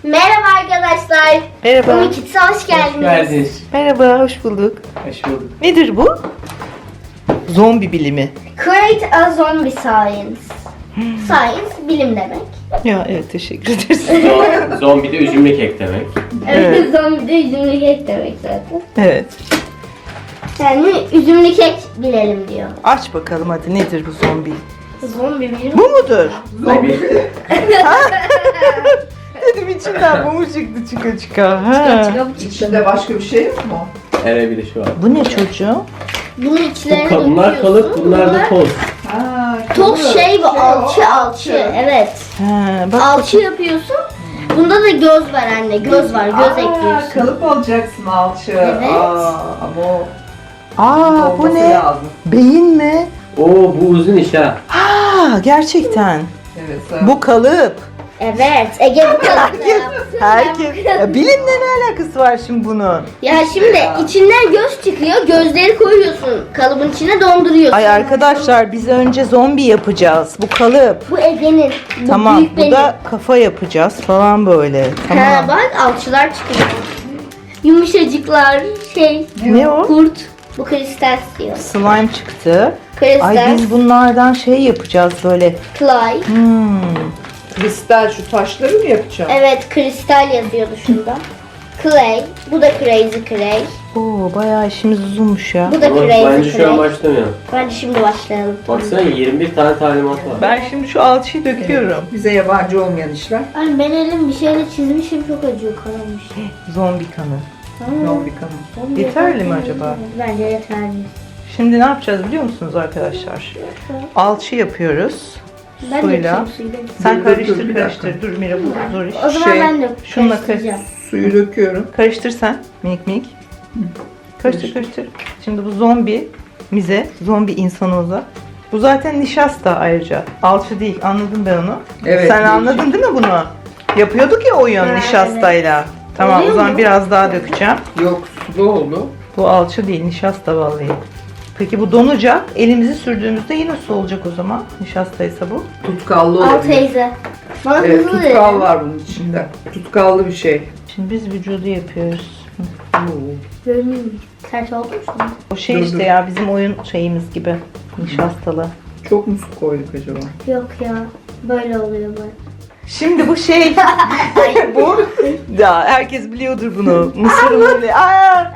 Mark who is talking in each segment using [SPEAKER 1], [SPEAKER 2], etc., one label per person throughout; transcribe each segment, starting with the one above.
[SPEAKER 1] Merhaba arkadaşlar.
[SPEAKER 2] Merhaba.
[SPEAKER 1] Umut Kids'e hoş geldiniz.
[SPEAKER 3] Hoş geldiniz.
[SPEAKER 2] Merhaba, hoş bulduk.
[SPEAKER 3] Hoş bulduk.
[SPEAKER 2] Nedir bu? Zombi bilimi.
[SPEAKER 1] Create a zombie science. Science bilim demek.
[SPEAKER 2] Ya evet, teşekkür ederiz.
[SPEAKER 3] Zombi de üzümlü kek demek.
[SPEAKER 1] Evet. Zombi de üzümlü kek demek zaten.
[SPEAKER 2] Evet.
[SPEAKER 1] Yani üzümlü kek bilelim diyor.
[SPEAKER 2] Aç bakalım hadi, nedir bu zombi?
[SPEAKER 1] Zombi bilim.
[SPEAKER 2] Bu mudur?
[SPEAKER 3] Zombi.
[SPEAKER 2] Dedim içinden bu mu çıktı çıka. Ha.
[SPEAKER 4] İçinde başka bir şey yok mu?
[SPEAKER 3] Hele bir de şu var.
[SPEAKER 2] Bu ne çocuğum?
[SPEAKER 1] Bunun içlerine
[SPEAKER 3] Bunlar kalıp bunlar da toz.
[SPEAKER 4] Ha,
[SPEAKER 1] Toz şey bu, alçı. Evet.
[SPEAKER 2] Ha, bak.
[SPEAKER 1] Alçı yapıyorsun. Bunda da göz var anne. Göz var. Göz ekliyorsun.
[SPEAKER 4] Kalıp alacaksın alçı.
[SPEAKER 1] Evet.
[SPEAKER 4] Ama o
[SPEAKER 2] Aa, bu
[SPEAKER 4] olması
[SPEAKER 2] ne?
[SPEAKER 4] lazım.
[SPEAKER 2] Beyin mi?
[SPEAKER 3] Oo bu uzun iş ha.
[SPEAKER 2] Aa, gerçekten.
[SPEAKER 4] Evet.
[SPEAKER 2] Bu kalıp.
[SPEAKER 1] Evet. Ege bu kadar.
[SPEAKER 2] Herkes. Ya, bilimle ne alakası var şimdi bunun?
[SPEAKER 1] Ya şimdi içinden göz çıkıyor. Gözleri koyuyorsun. Kalıbın içine donduruyorsun.
[SPEAKER 2] Ay arkadaşlar, biz önce zombi yapacağız. Bu kalıp.
[SPEAKER 1] Bu Ege'nin. Bu
[SPEAKER 2] Tamam,
[SPEAKER 1] büyük
[SPEAKER 2] bu
[SPEAKER 1] benim.
[SPEAKER 2] da kafa yapacağız falan böyle.
[SPEAKER 1] Ha,
[SPEAKER 2] Tamam.
[SPEAKER 1] bak alçılar çıkıyor. Yumuşacıklar şey.
[SPEAKER 2] Ne o?
[SPEAKER 1] Kurt. Bu kristal diyor.
[SPEAKER 2] Slime çıktı.
[SPEAKER 1] Kristal.
[SPEAKER 2] Ay biz bunlardan şey yapacağız böyle.
[SPEAKER 1] Clay.
[SPEAKER 4] Kristal şu taşları mı yapacağım?
[SPEAKER 1] Evet, kristal yazıyordu şunda. Clay. Bu da crazy clay.
[SPEAKER 2] Oo, bayağı işimiz uzunmuş ya.
[SPEAKER 1] Bu da
[SPEAKER 3] Ama
[SPEAKER 1] crazy
[SPEAKER 3] bence şu an
[SPEAKER 1] clay.
[SPEAKER 3] başlamayalım.
[SPEAKER 1] Bence şimdi başlayalım.
[SPEAKER 3] Baksana 21 tane talimat var.
[SPEAKER 2] Ben şimdi şu alçıyı döküyorum.
[SPEAKER 4] Bize yabancı olmayan işler.
[SPEAKER 1] Ay ben elim bir şeyle çizmişim, çok acıyor, kanamış.
[SPEAKER 2] Zombi kanı.
[SPEAKER 4] Zombi kanı.
[SPEAKER 2] Yeterli mi acaba?
[SPEAKER 1] Bence yeterli.
[SPEAKER 2] Şimdi ne yapacağız biliyor musunuz arkadaşlar? Alçı yapıyoruz.
[SPEAKER 1] Ben de
[SPEAKER 2] Suyla.
[SPEAKER 1] yapayım suyla.
[SPEAKER 2] Sen
[SPEAKER 4] Dur,
[SPEAKER 2] karıştır
[SPEAKER 4] dur, bir
[SPEAKER 2] karıştır. Dur Mira, bu zor iş.
[SPEAKER 1] O zaman ben de
[SPEAKER 2] şununla
[SPEAKER 1] karıştıracağım.
[SPEAKER 4] Suyu döküyorum.
[SPEAKER 2] Karıştır sen minik minik. Karıştır. Şimdi bu zombi insanımıza. Bu zaten nişasta ayrıca. Alçı değil, anladım ben onu.
[SPEAKER 4] Evet,
[SPEAKER 2] Sen
[SPEAKER 4] değişik.
[SPEAKER 2] anladın değil mi bunu? Yapıyorduk ya oyun
[SPEAKER 1] Ha,
[SPEAKER 2] nişastayla. Tamam,
[SPEAKER 1] Oluyor
[SPEAKER 2] o zaman
[SPEAKER 1] mu?
[SPEAKER 2] biraz daha dökeceğim.
[SPEAKER 4] Yok, sulu oldu.
[SPEAKER 2] Bu alçı değil, nişasta vallahi. Peki bu donacak. Elimizi sürdüğümüzde yine su olacak o zaman. Nişastaysa bu.
[SPEAKER 4] Tutkallı
[SPEAKER 1] Al
[SPEAKER 4] olabilir.
[SPEAKER 1] teyze. Bana
[SPEAKER 4] Evet,
[SPEAKER 1] hızlı
[SPEAKER 4] tutkal
[SPEAKER 1] verin.
[SPEAKER 4] var bunun içinde. Tutkallı bir şey.
[SPEAKER 2] Şimdi biz vücudu yapıyoruz.
[SPEAKER 1] Görünüyor mu? Ters oldu mu şimdi?
[SPEAKER 2] O şey
[SPEAKER 4] Dur,
[SPEAKER 2] işte
[SPEAKER 4] dur.
[SPEAKER 2] ya, bizim oyun şeyimiz gibi. Nişastalı.
[SPEAKER 4] Çok mu su koyduk acaba?
[SPEAKER 1] Yok ya. Böyle oluyor böyle.
[SPEAKER 2] Şimdi bu şey, bu ya herkes biliyordur bunu. Mısır unuyla. Aa!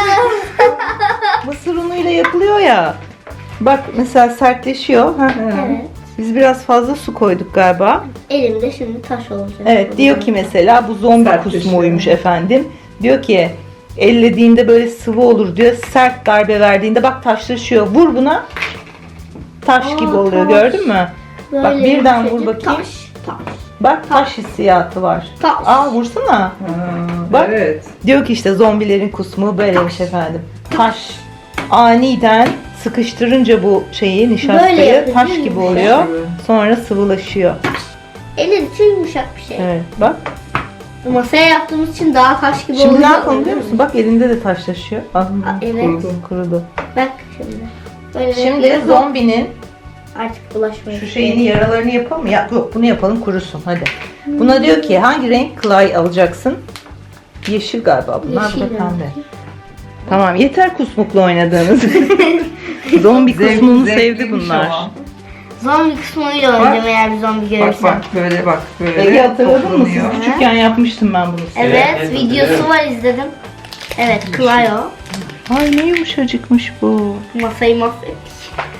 [SPEAKER 2] Mısır unuyla yapılıyor ya. Bak mesela sertleşiyor. Ha.
[SPEAKER 1] Evet.
[SPEAKER 2] Biz biraz fazla su koyduk galiba.
[SPEAKER 1] Elimde şimdi taş olacak.
[SPEAKER 2] Evet, diyor ki mesela bu zombi
[SPEAKER 4] Sertleşiyor.
[SPEAKER 2] kusmuymuş efendim. Diyor ki ellediğinde böyle sıvı olur diyor. Sert darbe verdiğinde bak taşlaşıyor. Vur buna. Taş
[SPEAKER 1] Aa,
[SPEAKER 2] gibi oluyor,
[SPEAKER 1] taş.
[SPEAKER 2] gördün mü?
[SPEAKER 1] Böyle
[SPEAKER 2] Bak birden vur
[SPEAKER 1] yumuşacık
[SPEAKER 2] bakayım.
[SPEAKER 1] Taş.
[SPEAKER 2] Bak taş hissiyatı var.
[SPEAKER 1] Taş.
[SPEAKER 2] Aa, vursana.
[SPEAKER 4] Ha,
[SPEAKER 2] Bak.
[SPEAKER 4] Evet.
[SPEAKER 2] Diyor ki işte zombilerin kusmu böyleymiş efendim. Taş aniden sıkıştırınca bu şeyi,
[SPEAKER 1] Böyle
[SPEAKER 2] nişastayı
[SPEAKER 1] yapıyor,
[SPEAKER 2] taş
[SPEAKER 1] değil mi?
[SPEAKER 2] gibi oluyor.
[SPEAKER 4] Evet.
[SPEAKER 2] Sonra sıvılaşıyor.
[SPEAKER 1] Elin için yumuşak bir şey.
[SPEAKER 2] Evet, bak.
[SPEAKER 1] Masaya yaptığımız için daha taş gibi
[SPEAKER 2] Şimdi
[SPEAKER 1] oluyor.
[SPEAKER 2] ne yapalım biliyor musun? Bak elinde de taşlaşıyor. Al.
[SPEAKER 1] Evet.
[SPEAKER 2] Kurudu.
[SPEAKER 1] Bak şimdi. Böyle
[SPEAKER 2] Şimdi
[SPEAKER 1] yapıyoruz.
[SPEAKER 2] zombinin
[SPEAKER 1] Artık bulaşmayın.
[SPEAKER 2] şu şeyini, yaralarını yapalım mı? Yok, bunu yapalım kurusun hadi. Buna diyor ki hangi renk clay alacaksın? Yeşil galiba bunlar, bu da
[SPEAKER 1] Yeşil
[SPEAKER 2] pembe. Tamam, yeter kusmukla oynadığınız. Zombi
[SPEAKER 4] Zevk-
[SPEAKER 2] kusmunu sevdi
[SPEAKER 4] zevkliymiş
[SPEAKER 2] bunlar.
[SPEAKER 4] ama.
[SPEAKER 1] Zombi kısmıyla oynayacağım eğer bir zombi
[SPEAKER 4] Bak
[SPEAKER 1] görürsem.
[SPEAKER 4] bak böyle bak böyle.
[SPEAKER 2] Ege hatırladın mı?
[SPEAKER 4] toplanıyor.
[SPEAKER 2] Siz küçükken yapmıştım ben bunu.
[SPEAKER 1] Evet,
[SPEAKER 3] Evet,
[SPEAKER 1] videosu
[SPEAKER 3] hatırlıyorum.
[SPEAKER 1] var, izledim. Evet, Clio.
[SPEAKER 2] Ay ne yumuşacıkmış bu.
[SPEAKER 1] Masayı mahvettik.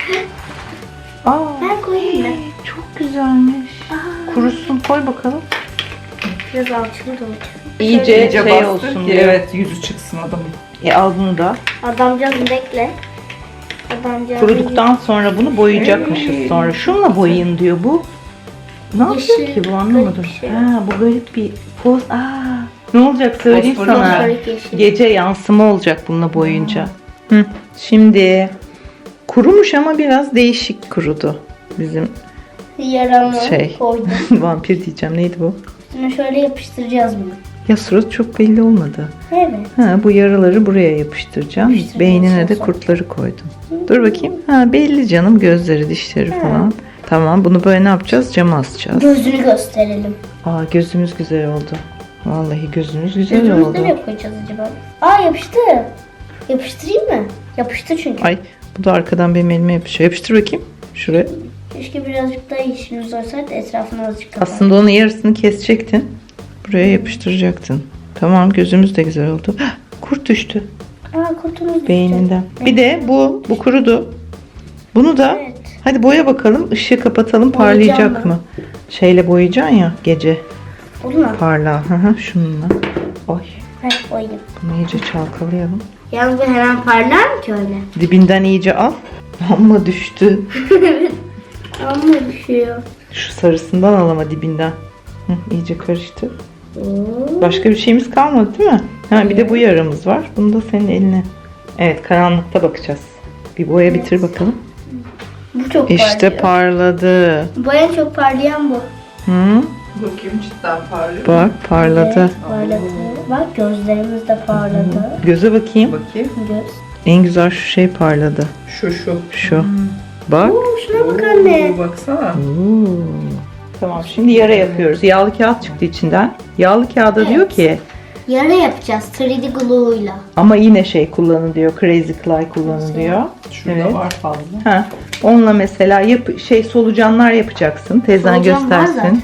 [SPEAKER 2] Aa,
[SPEAKER 1] Ben koyayım mı?
[SPEAKER 2] çok güzelmiş. Kurusun, koy bakalım.
[SPEAKER 1] Biraz alçılı da olacak.
[SPEAKER 2] İyice
[SPEAKER 4] İyice
[SPEAKER 2] şey
[SPEAKER 4] bastır
[SPEAKER 2] olsun
[SPEAKER 4] ki
[SPEAKER 2] diye.
[SPEAKER 4] evet yüzü çıksın adamın.
[SPEAKER 2] Al bunu da.
[SPEAKER 1] Adamcağız bekle. Adamcağız
[SPEAKER 2] Kuruduktan sonra bunu boyayacakmışız sonra. Şunla boyayın diyor bu. Ne yapacak
[SPEAKER 1] Yeşil,
[SPEAKER 2] ki bu, anlamadım.
[SPEAKER 1] garip bir şey.
[SPEAKER 2] Ha, bu garip bir poz. Ne olacak söyleyeyim
[SPEAKER 4] Fosforlu
[SPEAKER 2] sana.
[SPEAKER 1] Fosforik yeşil.
[SPEAKER 2] Gece yansıma olacak bununla boyunca. Hı. Şimdi kurumuş ama biraz değişik kurudu. Bizim
[SPEAKER 1] Yaramı
[SPEAKER 2] Şey.
[SPEAKER 1] koydum.
[SPEAKER 2] vampir diyeceğim, neydi bu?
[SPEAKER 1] Şimdi şöyle yapıştıracağız bunu.
[SPEAKER 2] Ya surat çok belli olmadı.
[SPEAKER 1] Evet.
[SPEAKER 2] Ha, bu yaraları buraya yapıştıracağım.
[SPEAKER 1] Yapıştıracağız
[SPEAKER 2] Beynine de
[SPEAKER 1] sonra.
[SPEAKER 2] kurtları koydum. Dur bakayım. Ha, belli canım, gözleri, dişleri falan. Tamam, bunu böyle ne yapacağız? Cama asacağız.
[SPEAKER 1] Gözünü gösterelim.
[SPEAKER 2] Aa, gözümüz güzel oldu. Vallahi gözünüz güzel
[SPEAKER 1] Gözümüzde
[SPEAKER 2] oldu.
[SPEAKER 1] ne koyacağız acaba? Aa yapıştı. Yapıştırayım mı? Yapıştı çünkü.
[SPEAKER 2] Ay bu da arkadan benim elime yapışıyor. Yapıştır bakayım. Şuraya.
[SPEAKER 1] Keşke birazcık daha yeşilimiz olsaydı etrafına azıcık kapat.
[SPEAKER 2] Aslında onun yarısını kesecektin. Buraya yapıştıracaktın. Tamam, gözümüz de güzel oldu. Hah, kurt düştü
[SPEAKER 1] Aa kurtumuz düştü.
[SPEAKER 2] beyninden. Bir de bu kurudu. Bunu da
[SPEAKER 1] Evet.
[SPEAKER 2] hadi boya bakalım. Işığı kapatalım,
[SPEAKER 1] Boyayacağım
[SPEAKER 2] parlayacak
[SPEAKER 1] ben.
[SPEAKER 2] mı? Şeyle boyayacaksın ya gece.
[SPEAKER 1] Olur mu?
[SPEAKER 2] Parla. Hı hı, şununla. Ay,
[SPEAKER 1] Heh koyayım.
[SPEAKER 2] bunu iyice çalkalayalım.
[SPEAKER 1] Yalnız bu hemen parlar mı ki öyle?
[SPEAKER 2] Dibinden iyice al. Amma düştü.
[SPEAKER 1] Ama düşüyor.
[SPEAKER 2] Şu sarısından al ama dibinden. Hı, iyice karıştır.
[SPEAKER 1] Oo.
[SPEAKER 2] Başka bir şeyimiz kalmadı değil mi? Ha, bir de bu yaramız var. Bunu da senin eline. Evet, karanlıkta bakacağız. Bir boya bitir bakalım.
[SPEAKER 1] Bu çok
[SPEAKER 2] İşte
[SPEAKER 1] parlıyor.
[SPEAKER 2] parladı.
[SPEAKER 1] Bu en çok parlayan bu.
[SPEAKER 2] Hı?
[SPEAKER 4] Bakayım cidden parlıyor.
[SPEAKER 2] Bak parladı.
[SPEAKER 1] Evet, parladı. Bak gözlerimiz de parladı.
[SPEAKER 2] Göze bakayım.
[SPEAKER 4] Bakayım.
[SPEAKER 1] Göz.
[SPEAKER 2] En güzel şu şey parladı.
[SPEAKER 4] Şu.
[SPEAKER 2] Şu. Bak.
[SPEAKER 1] Oo, şuna bak anne.
[SPEAKER 4] Oo, baksana.
[SPEAKER 2] Oo. Tamam, şimdi yara yapıyoruz. Yağlı kağıt çıktı içinden. Yağlı kağıda diyor ki
[SPEAKER 1] Yara yapacağız 3D glue'yla.
[SPEAKER 2] ama yine şey kullanın diyor. Crazy Clay kullanın diyor.
[SPEAKER 4] Şurada
[SPEAKER 2] Evet.
[SPEAKER 4] var fazla.
[SPEAKER 2] Ha, onunla mesela solucanlar yapacaksın. Teyzen
[SPEAKER 1] Solucan var
[SPEAKER 2] göstersin.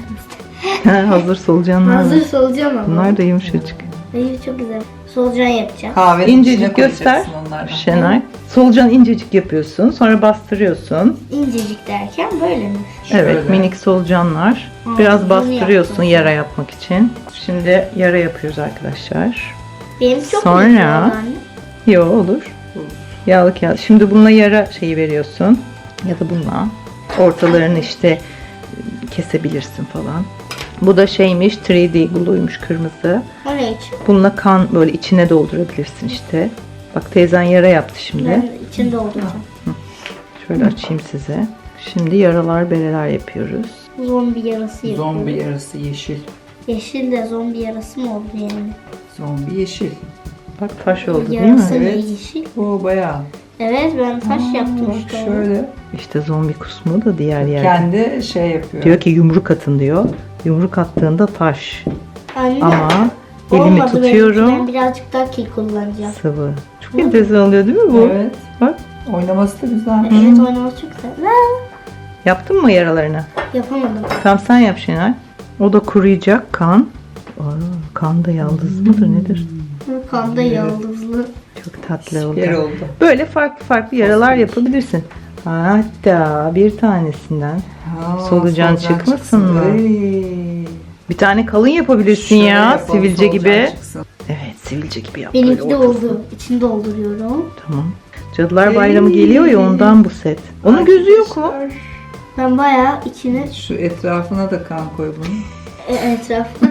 [SPEAKER 2] Ha, hazır solucanlar var.
[SPEAKER 1] Hazır solucan ama.
[SPEAKER 2] Bunlar da yumuşacık.
[SPEAKER 1] Hayır çok güzel. Solucan yapacağım.
[SPEAKER 4] Kahvenin
[SPEAKER 2] İncecik
[SPEAKER 4] içine
[SPEAKER 2] göster.
[SPEAKER 4] koyacaksın onlardan.
[SPEAKER 2] Şenay. Solucan incecik yapıyorsun. Sonra bastırıyorsun.
[SPEAKER 1] İncecik derken böyle mi?
[SPEAKER 2] Evet,
[SPEAKER 4] Şöyle.
[SPEAKER 2] minik solucanlar.
[SPEAKER 1] Ha,
[SPEAKER 2] Biraz
[SPEAKER 1] bunu
[SPEAKER 2] bastırıyorsun
[SPEAKER 1] yaptım.
[SPEAKER 2] yara yapmak için. Şimdi yara yapıyoruz arkadaşlar.
[SPEAKER 1] Benim çok
[SPEAKER 2] Sonra-
[SPEAKER 1] büyük oldu anne.
[SPEAKER 2] Yo, olur. Yağlı kağıt. Şimdi bununla yara şeyi veriyorsun. Ya da bununla. Ortalarını işte kesebilirsin falan. Bu da şeymiş, 3D glue'ymuş, kırmızı.
[SPEAKER 1] O ne için?
[SPEAKER 2] Bununla kan böyle içine doldurabilirsin işte. Bak teyzen yara yaptı şimdi.
[SPEAKER 1] Ben içinde dolduracağım.
[SPEAKER 2] Şöyle açayım size. Şimdi yaralar, bereler yapıyoruz.
[SPEAKER 1] Zombi yarası yapıyorum.
[SPEAKER 4] Zombi yarısı yeşil.
[SPEAKER 1] Yeşil de zombi yarası mı oldu yani?
[SPEAKER 4] Zombi yeşil.
[SPEAKER 2] Bak taş oldu değil
[SPEAKER 1] Yarası
[SPEAKER 2] mi?
[SPEAKER 1] ne
[SPEAKER 4] Evet.
[SPEAKER 1] yeşil?
[SPEAKER 4] O bayağı.
[SPEAKER 1] Evet ben taş yaptım
[SPEAKER 4] Bak
[SPEAKER 1] işte.
[SPEAKER 4] şöyle.
[SPEAKER 2] İşte zombi kusmu da diğer yerde.
[SPEAKER 4] Kendi şey yapıyor.
[SPEAKER 2] Diyor ki yumruk atın diyor. Yumruk attığında taş.
[SPEAKER 1] Anne,
[SPEAKER 2] Ama elimi
[SPEAKER 1] olmadı benimki.
[SPEAKER 2] tutuyorum.
[SPEAKER 1] Ben birazcık daha kil kullanacağım.
[SPEAKER 2] Sıvı. Çok enteresan oluyor değil mi bu?
[SPEAKER 4] Evet.
[SPEAKER 2] Bak.
[SPEAKER 4] Oynaması da güzel.
[SPEAKER 1] Evet oynaması çok güzel. Ha,
[SPEAKER 2] Yaptın mı yaralarını?
[SPEAKER 1] yapamadım.
[SPEAKER 2] Tamam, sen yap Şenay. O da kuruyacak kan. Aa, kan da yaldız mıdır nedir?
[SPEAKER 1] Kanda yıldızlı.
[SPEAKER 2] Çok tatlı
[SPEAKER 4] Süper
[SPEAKER 2] oldu.
[SPEAKER 4] oldu.
[SPEAKER 2] Böyle farklı farklı yaralar yapabilirsin. Hatta bir tanesinden
[SPEAKER 4] Ha,
[SPEAKER 2] Solucan çıkmasın mı?
[SPEAKER 4] Ay.
[SPEAKER 2] bir tane kalın yapabilirsin
[SPEAKER 4] Şöyle
[SPEAKER 2] ya,
[SPEAKER 4] yapalım,
[SPEAKER 2] sivilce
[SPEAKER 4] solucan
[SPEAKER 2] gibi.
[SPEAKER 4] çıksın.
[SPEAKER 2] Evet, sivilce gibi yap.
[SPEAKER 1] Benimki
[SPEAKER 2] böyle
[SPEAKER 1] de
[SPEAKER 2] ortasını.
[SPEAKER 1] oldu. İçini dolduruyorum.
[SPEAKER 2] Tamam. Cadılar Bayramı geliyor ya, ondan bu set. Onun gözü yok mu?
[SPEAKER 4] Arkadaşlar,
[SPEAKER 1] Ben bayağı içine
[SPEAKER 4] Şu etrafına da kan koy bunun.
[SPEAKER 1] etrafına.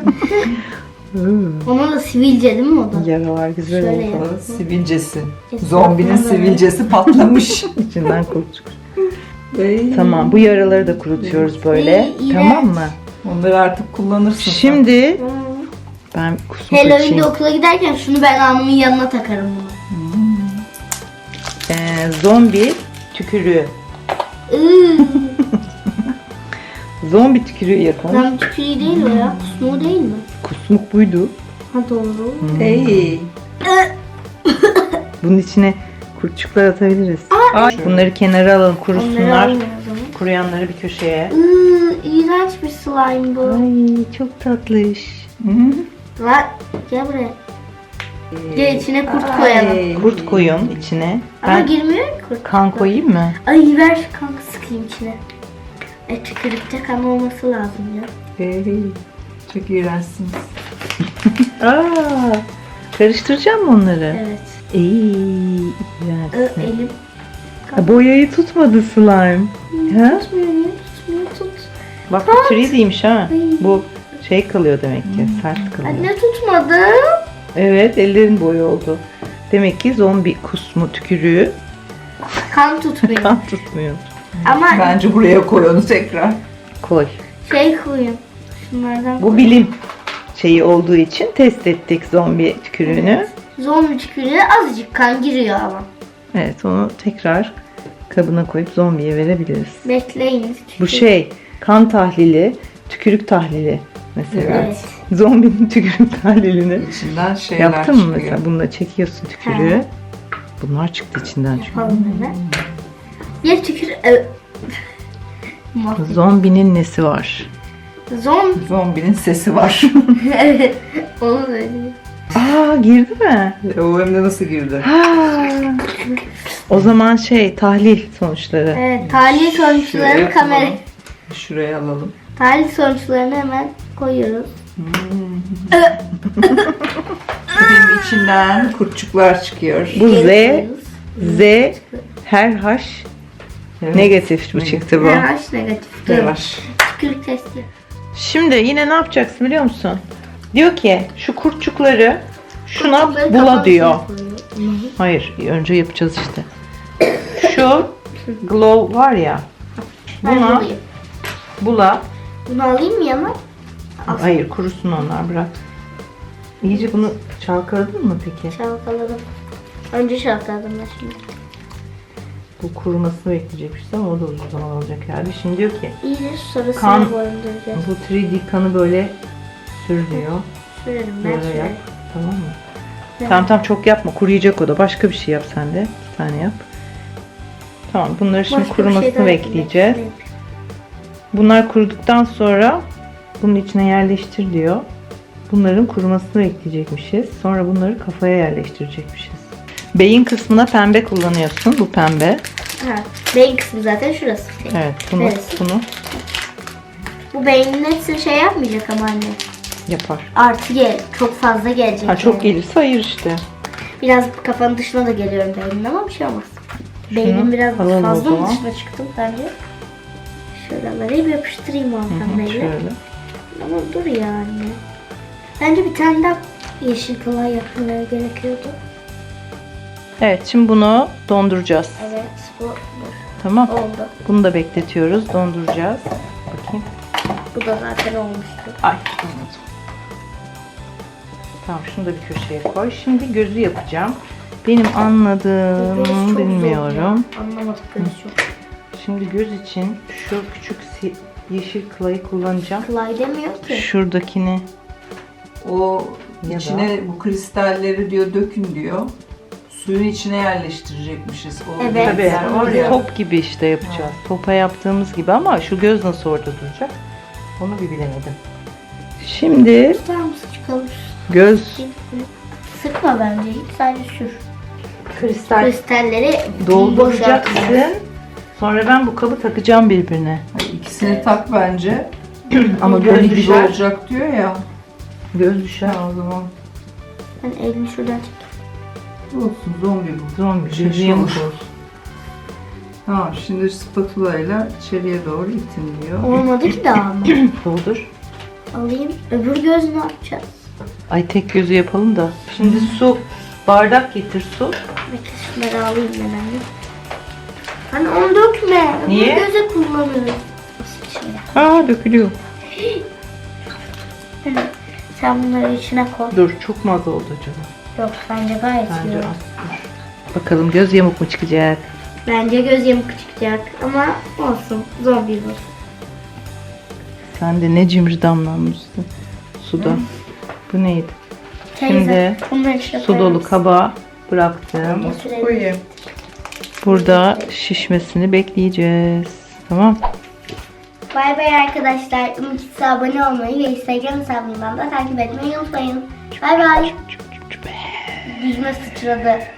[SPEAKER 1] Ona da sivilce değil mi o da?
[SPEAKER 2] Yaralar güzel
[SPEAKER 1] Şöyle
[SPEAKER 2] oldu.
[SPEAKER 1] yap.
[SPEAKER 4] Sonra sivilcesi.
[SPEAKER 1] Etrafına
[SPEAKER 4] Zombinin
[SPEAKER 1] böyle.
[SPEAKER 4] sivilcesi patlamış.
[SPEAKER 2] İçinden kurt çıkıyor.
[SPEAKER 4] Ay.
[SPEAKER 2] Tamam, bu yaraları da kurutuyoruz böyle.
[SPEAKER 1] Ay, iğrenç.
[SPEAKER 2] Tamam mı?
[SPEAKER 4] Onları artık kullanırsın. sen.
[SPEAKER 2] Şimdi
[SPEAKER 1] Hmm.
[SPEAKER 2] ben kusmuk
[SPEAKER 1] Halloween'de
[SPEAKER 2] açayım.
[SPEAKER 1] okula giderken şunu ben alnımın yanına takarım bunu.
[SPEAKER 2] Zombi tükürüğü.
[SPEAKER 1] Iıı,
[SPEAKER 2] Zombi tükürüğü yapın.
[SPEAKER 1] ben tükürüğü değil o ya. Kusmuğu değil mi?
[SPEAKER 2] Kusmuk buydu.
[SPEAKER 1] Ha doğru.
[SPEAKER 4] Ey.
[SPEAKER 2] Bunun içine kurtçuklar atabiliriz. Ay, bunları kenara alalım,
[SPEAKER 1] Onları
[SPEAKER 2] kurusunlar.
[SPEAKER 1] almıyor o zaman.
[SPEAKER 2] Kuruyanları bir köşeye.
[SPEAKER 1] İğrenç bir slime bu.
[SPEAKER 2] Ay çok tatlış.
[SPEAKER 1] Lan gel buraya. Gel içine kurt koyalım.
[SPEAKER 4] Ay.
[SPEAKER 2] Kurt koyun içine.
[SPEAKER 1] Ama
[SPEAKER 2] Ben
[SPEAKER 1] girmiyor ki kurt.
[SPEAKER 2] kan koyayım mı?
[SPEAKER 1] Ay ver şu kanka sıkayım içine. Tükürükte kan olması lazım ya.
[SPEAKER 4] Ey. Çok iğrençsiniz.
[SPEAKER 2] Aa, karıştıracağım mı onları?
[SPEAKER 1] Evet.
[SPEAKER 2] İğrençsin.
[SPEAKER 1] Elim.
[SPEAKER 2] Boyayı tutmadı slime. Ha?
[SPEAKER 1] Tutmuyor niye tutmuyor tut.
[SPEAKER 2] Bak bu 3D'ymiş ha.
[SPEAKER 1] Ay.
[SPEAKER 2] Bu şey kalıyor demek ki. Sert kalıyor.
[SPEAKER 1] Anne tutmadı.
[SPEAKER 2] Evet, ellerin boyu oldu. Demek ki zombi kusmu tükürüğü
[SPEAKER 1] Kan tutmuyor.
[SPEAKER 2] kan tutmuyor.
[SPEAKER 1] Ama
[SPEAKER 4] Bence buraya koy onu tekrar.
[SPEAKER 2] Koy.
[SPEAKER 1] şey koyun. Şunlardan
[SPEAKER 2] Bu bilim şeyi olduğu için test ettik zombi tükürüğünü.
[SPEAKER 1] Zombi tükürüğe azıcık kan giriyor ama.
[SPEAKER 2] Evet, onu tekrar kabına koyup zombiye verebiliriz.
[SPEAKER 1] Bekleyin.
[SPEAKER 2] Bu şey kan tahlili, tükürük tahlili mesela.
[SPEAKER 1] Evet.
[SPEAKER 2] Zombinin tükürük tahlilini
[SPEAKER 4] İçinden şeyler
[SPEAKER 2] yaptın mı
[SPEAKER 4] çıkıyor.
[SPEAKER 2] mesela? Bununla çekiyorsun tükürüğü. Bunlar çıktı içinden çünkü.
[SPEAKER 1] Yapalım hemen. Bir tükür... Mahvettim.
[SPEAKER 2] Zombinin nesi var?
[SPEAKER 4] Zombinin sesi var.
[SPEAKER 1] Evet. Onu söyleyeyim.
[SPEAKER 2] Aa, girdi mi?
[SPEAKER 4] O hem de nasıl girdi?
[SPEAKER 2] Ha. O zaman tahlil sonuçları.
[SPEAKER 1] Evet. Tahlil sonuçlarını
[SPEAKER 4] Şuraya
[SPEAKER 1] kamera...
[SPEAKER 4] alalım. Şuraya alalım.
[SPEAKER 1] Tahlil sonuçlarını hemen koyuyoruz.
[SPEAKER 4] Benim içinden kurtçuklar çıkıyor.
[SPEAKER 2] Bu
[SPEAKER 1] Geri
[SPEAKER 2] Z,
[SPEAKER 1] koyuyoruz.
[SPEAKER 2] Z, her H
[SPEAKER 4] Evet.
[SPEAKER 2] negatif bu çıktı bu.
[SPEAKER 1] RH negatif.
[SPEAKER 4] Yavaş.
[SPEAKER 1] Tükürük testi.
[SPEAKER 2] Şimdi yine ne yapacaksın biliyor musun? Diyor ki şu kurtçukları şuna
[SPEAKER 1] Kurtçukları
[SPEAKER 2] bula
[SPEAKER 1] kafanın
[SPEAKER 2] diyor.
[SPEAKER 1] içine koyuyor.
[SPEAKER 2] Hayır, önce yapacağız işte. Şu glow var ya.
[SPEAKER 1] Ben
[SPEAKER 2] Buna
[SPEAKER 1] bulayım.
[SPEAKER 2] bula.
[SPEAKER 1] Bunu alayım mı yana?
[SPEAKER 2] Hayır, kurusun onlar, bırak. İyice bunu çalkaladın mı peki?
[SPEAKER 1] Çalkaladım. Önce çalkaladım ben şimdi.
[SPEAKER 2] Bu kurumasını bekleyecekmiş ama o da uzun zaman alacak herhalde. Şimdi diyor ki
[SPEAKER 1] İyice sarısını
[SPEAKER 2] Kan.
[SPEAKER 1] boyunduracağız.
[SPEAKER 2] bu 3D kanı böyle sür diyor.
[SPEAKER 1] Sürerim ben
[SPEAKER 2] Böyle
[SPEAKER 1] sürerim.
[SPEAKER 2] yap. Tamam mı?
[SPEAKER 1] Evet.
[SPEAKER 2] Tamam çok yapma. Kuruyacak o da. Başka bir şey yap sen de. 2 tane yap. Tamam, bunları şimdi
[SPEAKER 1] Başka bir şey
[SPEAKER 2] kurumasını
[SPEAKER 1] daha
[SPEAKER 2] bekleyeceğiz.
[SPEAKER 1] yapayım.
[SPEAKER 2] Bunlar kuruduktan sonra bunun içine yerleştir diyor. Bunların kurumasını bekleyecekmişiz. Sonra bunları kafaya yerleştirecekmişiz. Beyin kısmına pembe kullanıyorsun. Bu pembe.
[SPEAKER 1] Ha, beyin kısmı zaten şurası.
[SPEAKER 2] Evet, bunu
[SPEAKER 1] Neresi?
[SPEAKER 2] bunu
[SPEAKER 1] Bu beynin hepsini şey yapmayacak ama anne.
[SPEAKER 2] yapar.
[SPEAKER 1] Artı çok fazla gelecek.
[SPEAKER 2] Ha, çok
[SPEAKER 1] yani.
[SPEAKER 2] gelirse hayır işte.
[SPEAKER 1] Biraz kafanın dışına da geliyorum beynin ama bir şey olmaz. Beynin biraz
[SPEAKER 2] alalım o
[SPEAKER 1] fazla mı
[SPEAKER 2] zaman.
[SPEAKER 1] dışına çıktım bence? Şuraları bir yapıştırayım o pembeyle.
[SPEAKER 2] Şöyle.
[SPEAKER 1] Ama dur yani. Bence bir tane daha yeşil kılay yapmaları gerekiyordu.
[SPEAKER 2] Evet, şimdi bunu donduracağız.
[SPEAKER 1] Evet, bu
[SPEAKER 2] Tamam.
[SPEAKER 1] oldu.
[SPEAKER 2] Bunu da bekletiyoruz. Donduracağız. Bakayım.
[SPEAKER 1] Bu da zaten olmuştu.
[SPEAKER 2] Ay, olmadı. Tamam, şunu da bir köşeye koy. Şimdi gözü yapacağım. Benim
[SPEAKER 1] Göz
[SPEAKER 2] anladığım
[SPEAKER 1] çok zor
[SPEAKER 2] bilmiyorum.
[SPEAKER 1] ya. Anlamadık göz çok.
[SPEAKER 2] Şimdi göz için şu küçük yeşil kılayı kullanacağım.
[SPEAKER 1] Kılay demiyor ki.
[SPEAKER 2] Şuradakini
[SPEAKER 4] O
[SPEAKER 2] Ya
[SPEAKER 4] içine bu kristalleri diyor dökün diyor. Suyun içine yerleştirecekmişiz. O
[SPEAKER 1] Evet.
[SPEAKER 2] tabii
[SPEAKER 4] gözler var ya.
[SPEAKER 2] top gibi işte yapacağız. Topa yaptığımız gibi ama şu göz nasıl orada duracak? Onu bir bilemedim. Şimdi
[SPEAKER 1] Tutar mısın çıkalım?
[SPEAKER 2] göz
[SPEAKER 1] Sıkma bence hiç, sadece sür.
[SPEAKER 2] kristal
[SPEAKER 1] Kristalleri boşaltacağız.
[SPEAKER 2] dolduracaksın. Sonra ben bu kabı takacağım birbirine.
[SPEAKER 4] Hayır, İkisini tak bence.
[SPEAKER 2] Ama
[SPEAKER 4] Böyle
[SPEAKER 2] göz
[SPEAKER 4] gibi
[SPEAKER 2] düşer.
[SPEAKER 4] olacak diyor ya.
[SPEAKER 2] Göz düşer.
[SPEAKER 4] O zaman
[SPEAKER 1] Ben elimi şuradan çek.
[SPEAKER 4] olsun, zombi bu.
[SPEAKER 2] Zombi.
[SPEAKER 4] Şey
[SPEAKER 2] Gözü yamuk
[SPEAKER 4] olur.
[SPEAKER 2] olsun.
[SPEAKER 4] Tamam, şimdi spatula ile içeriye doğru itin diyor.
[SPEAKER 1] Olmadı ki daha ama.
[SPEAKER 2] Doldur.
[SPEAKER 1] Alayım. Öbür göz ne yapacağız?
[SPEAKER 2] Ay, tek gözü yapalım da. Şimdi su. Bardak getir su.
[SPEAKER 1] Bekle şunları alayım ben anne. Hani onu dökme.
[SPEAKER 2] Niye?
[SPEAKER 1] Öbür göze kullanırız. Şimdi.
[SPEAKER 2] Aa, dökülüyor.
[SPEAKER 1] Sen bunları içine koy.
[SPEAKER 2] Dur, çok mu az oldu acaba?
[SPEAKER 1] Yok, bence gayet iyi
[SPEAKER 2] Bence
[SPEAKER 1] oldu.
[SPEAKER 2] az. Dur. Bakalım göz yamuk mu çıkacak?
[SPEAKER 1] Bence göz yamuk çıkacak ama olsun. Zombi bu.
[SPEAKER 2] Sen de ne cimri damlanmışsın suda. Bu neydi?
[SPEAKER 1] Teyze, bunların içine
[SPEAKER 2] Su dolu
[SPEAKER 1] koyarız.
[SPEAKER 2] kaba bıraktım.
[SPEAKER 4] Nasıl koyayım?
[SPEAKER 2] Burada şişmesini bekleyeceğiz. Tamam.
[SPEAKER 1] Bay bay arkadaşlar. Umut'sa abone olmayı ve Instagram hesabımdan da takip etmeyi unutmayın. Bay bay. Yüzüme sıçradı.